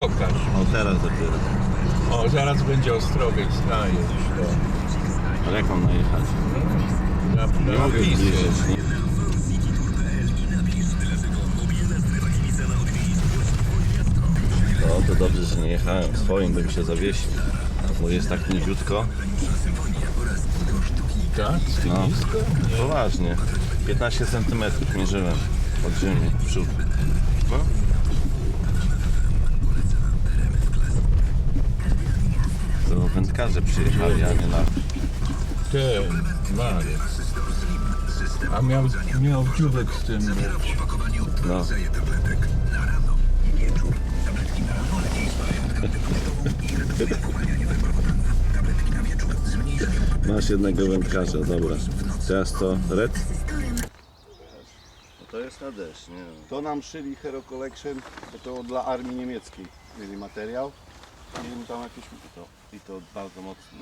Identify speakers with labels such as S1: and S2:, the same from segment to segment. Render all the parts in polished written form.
S1: Pokaż.
S2: O, teraz dopiero.
S1: O, zaraz będzie Ostrowiec, najedź.
S2: Ale jak mam najechać? Nie mogę
S1: Napisy.
S2: zbliżyć. Nie. No to dobrze, że nie jechałem. Swoim bym się zawiesił. Bo jest tak niziutko.
S1: Tak?
S2: No,
S1: Nisko?
S2: poważnie. 15 cm mierzyłem od ziemi w przód. No. To wędkarze przyjechali, a nie na...
S1: Ten, Marek. A miał dziubek z tym być.
S2: No. Masz jednego wędkarza, dobra. Teraz to red? No to jest na deszcz, nie wiem.
S3: To nam szyli Hero Collection, bo to dla armii niemieckiej mieli materiał. I tam jakieś...
S2: I to bardzo mocno.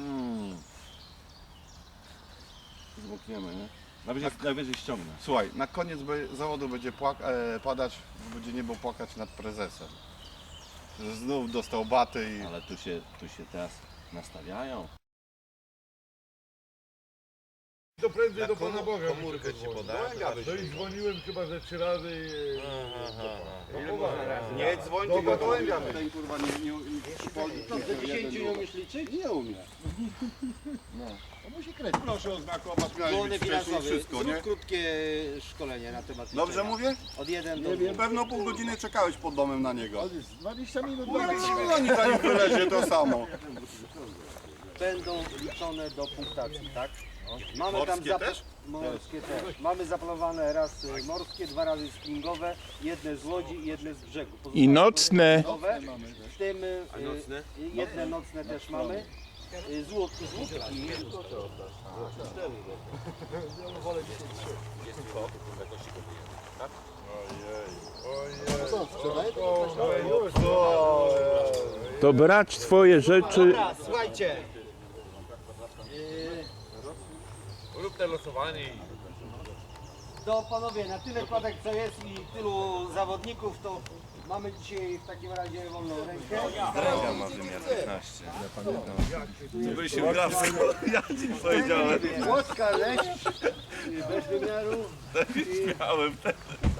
S3: Zmokniemy, nie?
S2: Najwyżej ściągnę.
S3: Słuchaj, na koniec zawodu będzie padać, będzie niebo płakać nad prezesem. Że znów dostał baty i...
S2: Ale tu się teraz nastawiają.
S4: To prędzej do Pana Boga.
S2: Komórkę ci podam.
S4: No i dzwoniłem chyba ze 3 razy i...
S3: Nie dzwoń,
S4: Do
S3: tylko
S4: gołębia.
S3: ten kurwa nie
S5: Do 10 nie umiesz liczyć?
S3: Nie umie.
S5: To musi kredyt.
S3: Proszę oznakować, miałeś
S5: Błony
S3: być wcześniej
S5: finansowy.
S3: wszystko,
S5: Zrób
S3: nie?
S5: krótkie szkolenie na temat
S3: Dobrze
S5: liczenia.
S3: mówię?
S5: Od 1 do
S3: Na
S5: 2.
S3: pewno pół godziny czekałeś pod domem na niego.
S5: 20 minut.
S3: No oni zanim wylezie to samo.
S5: Będą liczone do punktacji, tak? Mamy
S3: Morskie
S5: tam
S3: też?
S5: Morskie też. Mamy zaplanowane raz morskie, 2 razy springowe, jedne z łodzi i jedne z brzegu.
S1: I nocne.
S5: Springowe, w tym jedne nocne też mamy. Z łódki.
S1: To brać twoje rzeczy.
S5: Dobra, słuchajcie.
S4: Rób te losowanie i...
S5: To panowie, na tyle kładek co jest i tylu zawodników, to mamy dzisiaj w takim razie wolną rękę.
S2: Dręga ma wymiar 15. Byś się grał, ja ci powiedziałem.
S5: Łódka, leć, bez wymiaru.
S2: Miałem ten.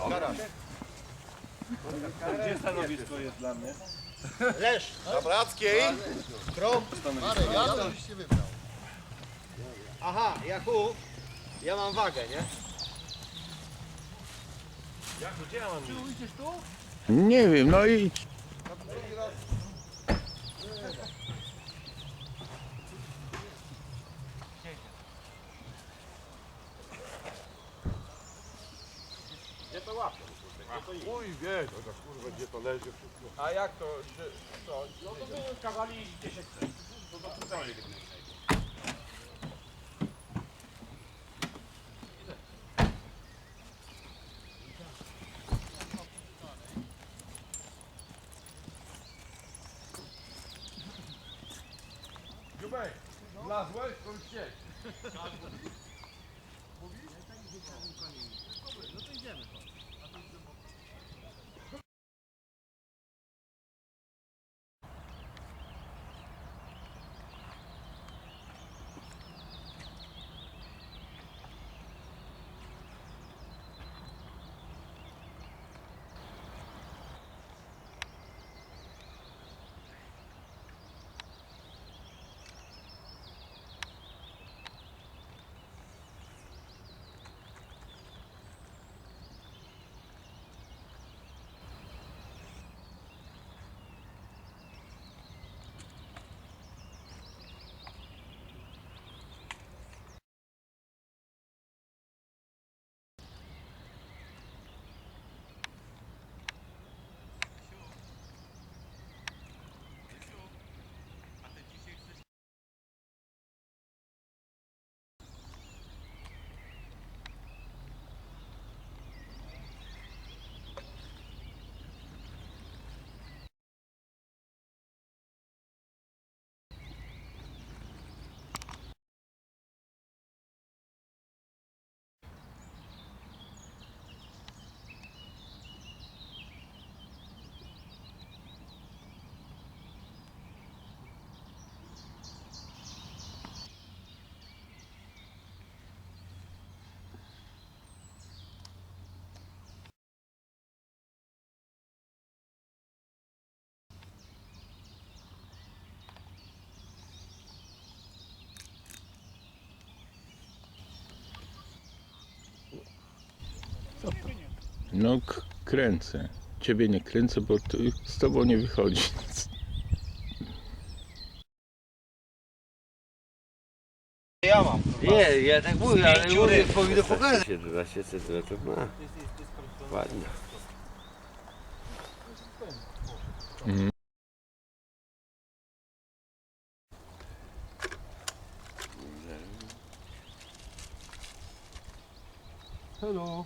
S2: Gdzie stanowisko jest dla mnie?
S5: Lesz,
S3: Zabrackiej?
S5: aha, Jakub, ja mam wagę, nie?
S1: Nie wiem, no idź.
S4: Mój wiesz, chociaż kurwa gdzie to leży wszystko. A jak to, że co? No to były kawali 10 cent. To do całej Dziubek, wlazłeś? To już siedź.
S1: No kręcę. Ciebie nie kręcę, bo z tobą nie wychodzi.
S5: Nie, ja tak mówię, ale mówię, powinno pokazać.
S6: 12 cm ma. Ładnie.
S4: Hello.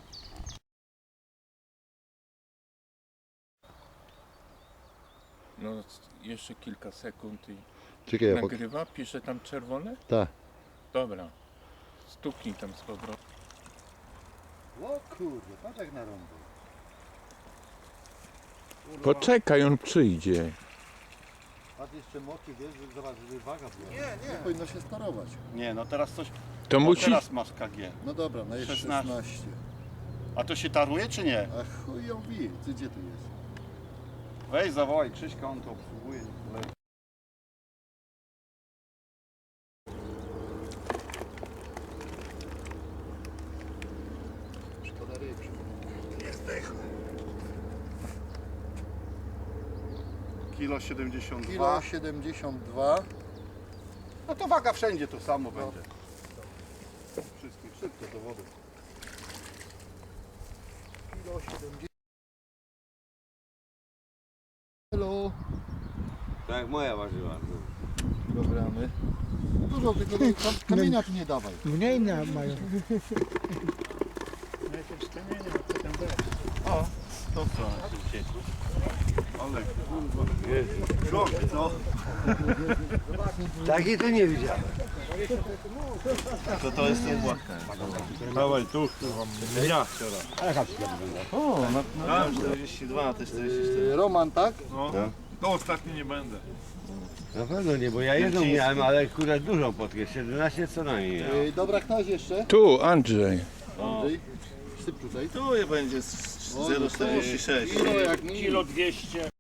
S1: No jeszcze kilka sekund i
S3: Czekaj,
S1: nagrywa, pisze tam czerwone?
S3: Tak.
S1: Dobra. Stuknij tam z powrotem.
S3: O kurde, patrz jak narąbał.
S1: Poczekaj, on przyjdzie.
S3: Patrz jeszcze moki, wiesz, że zobacz, żeby waga była. Nie powinno się sparować.
S2: Nie, no teraz coś.
S1: To
S2: O,
S1: musi...
S2: teraz masz KG.
S3: No dobra, no jest
S2: 16.
S3: 16.
S2: A to się taruje czy nie?
S3: A chuj ją wie, ty gdzie tu jest?
S2: Weź zawołaj Krzyśka, on to obsługuje.
S3: Szkoda ryb.
S2: Kilo 72.
S3: Kilo 72.
S2: No to waga wszędzie to samo będzie. Wszystkich, szybko do wody.
S3: Kilo 70. Hello.
S6: Tak jak moja ważyła.
S3: Programy. Dużo tylko kamienia tu nie dawaj.
S7: Mniej mają.
S2: To co? Ale kurwa. Krok, co?
S5: Takiej to nie widziałem.
S2: To jest ten płatka. Dawaj tu, kurwa. Ja. O, na 42, to 44.
S3: Roman, tak?
S2: No. To ostatni nie będę.
S6: Na pewno nie, bo ja jedną miałem, ale akurat dużą potkę. 17 co najmniej miałem.
S3: Dobra, ktoś jeszcze?
S1: Tu, Andrzej.
S3: Andrzej. Syp tutaj.
S2: Tu będzie 0,46.
S3: Kilo jak mi.
S4: Kilo 200.